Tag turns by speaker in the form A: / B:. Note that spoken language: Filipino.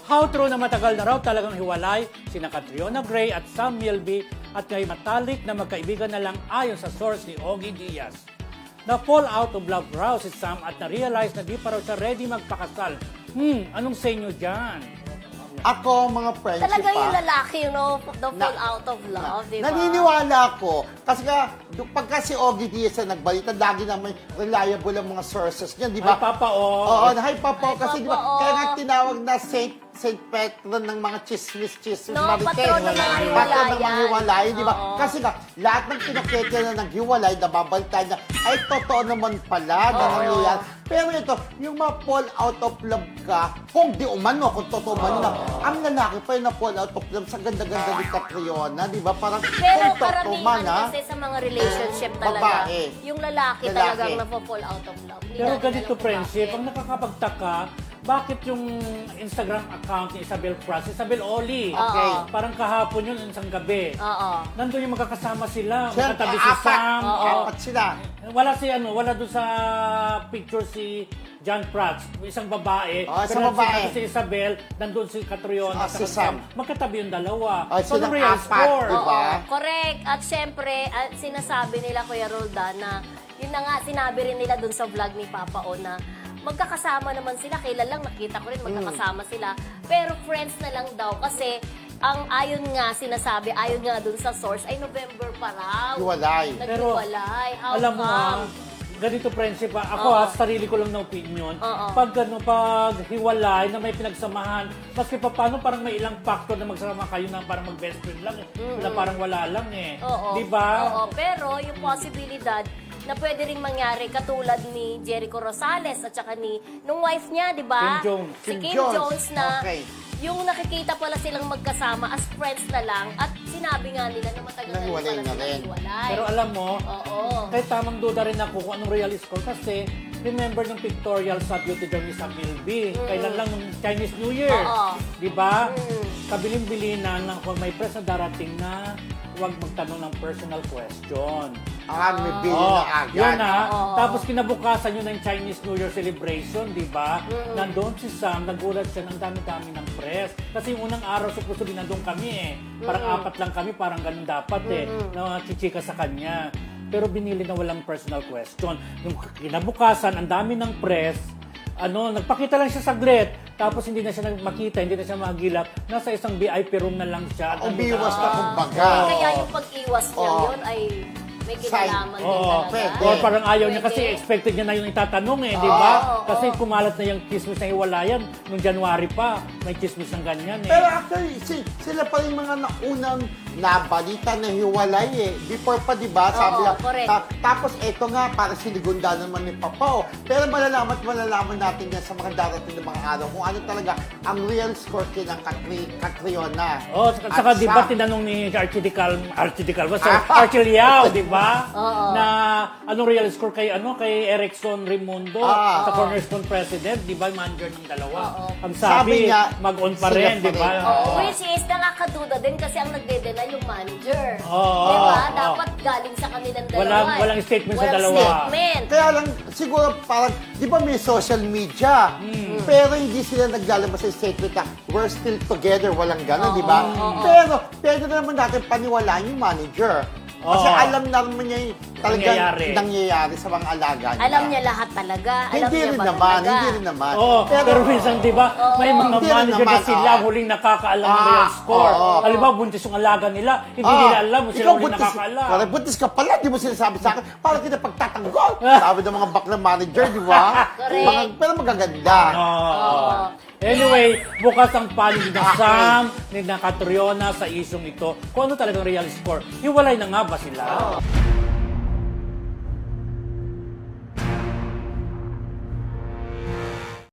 A: How true na matagal na raw talagang hiwalay sina Catriona Gray at Sam Milby at ngay matalik na magkaibigan na lang ayon sa source ni Ogie Diaz. Na-fall out of love raw si Sam at na-realize na di pa raw siya ready magpakasal. Anong sa inyo dyan?
B: Ako, mga friends,
C: Talaga yung lalaki, you know, the fall out of love, di ba?
B: Naniniwala ako. Kasi nga, pagka si Ogie Diaz na nagbalita, lagi na may reliable ang mga sources niya, di ba?
A: Ay, Papa, oh.
B: Oo, hi Papa,
C: Hi,
B: kasi di
C: Papa,
B: ba,
C: oh.
B: kaya nga tinawag na Saint Petron ng mga chismis,
C: No,
B: marites.
C: patron ng mga
B: Patron ng mga
C: hiwalayan.
B: hiwalay, di ba?
C: Oo.
B: Kasi nga, lahat ng pinakita na naghiwalay, nababalita niya, ay totoo naman pala na nangyayari. Pero ito, yung ma-fall out of love ka, kung di umano, kung totoo man na, ang lalaki pa yung na-fall out of love sa ganda-ganda ni Catriona, di ba? Parang,
C: Pero
B: kung totoo man,
C: karamihan kasi sa mga relationship talaga,
B: Babae.
C: yung lalaki talagang na-fall out of love. Hindi
A: Pero
C: natin
A: ganito,
C: alam kung
A: friendship,
C: bakit.
A: ang nakakapagtaka, bakit yung Instagram account ni Isabel Pras, Isabel Oli?
B: Okay.
A: Parang kahapon yun, isang gabi.
C: Oo.
A: Nandun yung magkakasama sila,
B: Siyempre,
A: magkatabi si Sam.
B: apat sila.
A: Wala doon sa picture si John Prats, isang babae.
B: Oh, isang
A: pero
B: babae.
A: si Isabel, nandun si Catriona,
B: Si
A: saka
B: Sam.
A: magkatabi yung dalawa.
B: Oh,
A: So,
B: silang
A: the real
B: apat,
A: score.
B: di ba?
C: Oo, correct. At syempre, sinasabi nila, Kuya Roldan, na yun na nga, sinabi rin nila dun sa vlog ni Papa O na magkakasama naman sila. Kailan lang nakita ko rin magkakasama sila. Pero friends na lang daw kasi ang ayon nga sinasabi, ayon nga dun sa source, ay November pa raw.
B: Hiwalay.
C: Naghiwalay. How
A: Alam mo
C: come?
A: ganito friendship ako
C: Oo.
A: sarili ko lang na opinion.
C: Oo.
A: Pag hiwalay na may pinagsamahan, maski pa paano parang may ilang factor na magsama kayo na parang mag-best friend lang eh. Na parang wala lang eh.
C: Oo.
A: Di ba?
C: Oo, pero yung posibilidad na pwede ring mangyari katulad ni Jericho Rosales at saka ni nung wife niya, di ba?
A: Kim Jones.
C: Si
B: Kim
C: Kim
B: Jones.
C: Jones na
B: Okay.
C: yung nakikita pala silang magkasama as friends na lang at sinabi nga nila na matagal na rin
B: Nahiwalay
C: pala
B: na
C: sila
B: rin.
C: hiwalay.
A: Pero alam mo,
C: Oo.
A: kahit tamang duda rin ako kung anong real score kasi remember nung pictorial sa Beauty Journey sa Milby. Kailan lang nung Chinese New Year.
C: Oo.
A: Di ba? Kabilin-bilinan na kung may press na darating na huwag magtanong ng personal question.
B: May bili
A: Oh,
B: na agad.
A: yun na.
C: Oo.
A: Tapos kinabukasan yun ng Chinese New Year celebration, di ba? Nandun si Sam, nagulat siya ng dami-dami ng press. Kasi yung unang araw, supposedly nandun kami eh. Parang apat lang kami, parang ganun dapat eh. Na chichika sa kanya. Pero binili na walang personal question. Yung kinabukasan, ang dami ng press, nagpakita lang siya saglit. Tapos hindi na siya makita, hindi na siya magilap. Nasa isang VIP room na lang siya.
B: Umiwas na kumbaga.
C: Kaya yung pag-iwas niya
B: Oo.
C: yun ay may kinalaman din
A: Oo,
C: talaga.
B: pwede.
A: or parang ayaw niya
C: Pwede.
A: kasi expected niya na yung itatanong eh, di ba?
C: Oo,
A: Kasi
C: oo.
A: kumalat na yung chismis na hiwalayan nung January pa, may chismis ng ganyan eh.
B: Pero actually, sila pa rin mga naunang nabalita na hiwalay eh. Before pa, di ba? Sabi
C: Oo,
B: lang,
C: correct.
B: tapos eto nga, parang sinigunda naman ni Papa. Pero malalaman natin yan sa mga darating na mga araw kung ano talaga ang real score ng Catriona.
A: Oh, saka
B: At
A: di ba
B: Sam.
A: tinanong ni Archie Liao, di ba?
C: Oo.
A: Na anong real score kay Erickson Raimundo sa Cornerstone President, di ba? Manager ng dalawa.
C: Oo.
A: Ang
B: Sabi
A: sabi,
B: niya,
A: mag-on pa
B: sila
A: rin,
B: pa
A: di ba?
B: rin.
C: Oo, which is nakakaduda din kasi ang nagdedena yung manager.
A: Oo,
C: Di ba?
A: oo.
C: Dapat galing sa kanilang dalawa.
A: Walang statement sa
C: Walang
A: dalawa.
C: statement.
B: Kaya lang, siguro parang, di ba may social media? Pero hindi sila naglalabas sa statement na we're still together, walang gano'n, di ba? Pero, pwede naman natin paniwalaan yung manager. Kasi
A: Oo.
B: alam naman niya yung talagang
A: Nangyayari.
B: nangyayari sa mga alaga niya.
C: Alam niya lahat talaga. Alam
B: Hindi
C: niya
B: rin
C: ba
B: naman,
C: talaga?
B: hindi rin naman.
A: Oo, pero minsan, di ba, may mga
B: Hindi rin
A: manager na
B: naman,
A: sila huling nakakaalam ng real score.
B: oo.
A: Halimbawa, buntis yung alaga nila, hindi nila alam, sila
B: Ikaw
A: huling nakakaalam.
B: Correct, buntis ka pala, di mo sinasabi sa akin, parang kita pagtatanggol. Sabi ng mga bakla manager, di ba?
C: Correct.
B: Pero magaganda.
A: Oo. Anyway, bukas ang panig ni Sam, ni Catriona sa isyong ito. Kung ano talagang real score, hiwalay na nga ba sila?